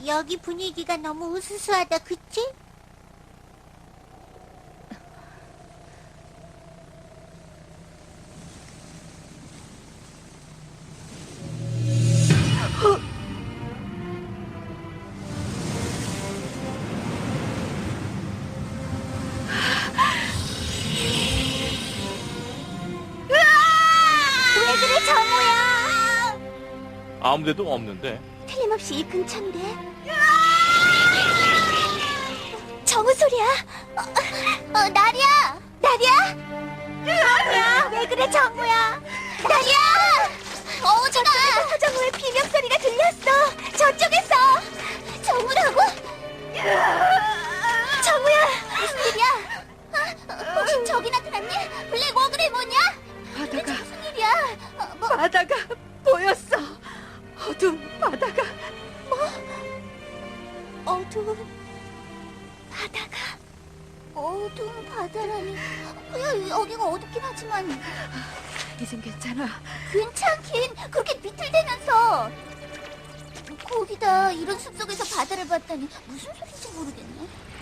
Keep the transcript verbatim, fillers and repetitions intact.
여기 분위기가 너무 으스스하다, 그치? 왜 그래, 정우야? 아무데도 없는데. 틀림없이 이 근처인데. 정우 소리야. 어, 어 나리야. 나리야? 나리야. 왜 그래, 정우야? 나리야. 어, 저쪽에서 정우의 비명 소리가 들렸어. 저쪽에서. 정우라고? 정우야. 무슨 일이야? 어, 혹시 저기 나타났니? 블랙 워그레 뭐냐? 바다가, 무슨 일이야? 어, 뭐, 바다가 보였어. 어두운 바다가. 어두운 바다가. 어두운 바다라니. 야, 여기가 어둡긴 하지만 이젠 괜찮아. 괜찮긴. 그렇게 비틀대면서. 거기다 이런 숲속에서 바다를 봤다니 무슨 소린지 모르겠네.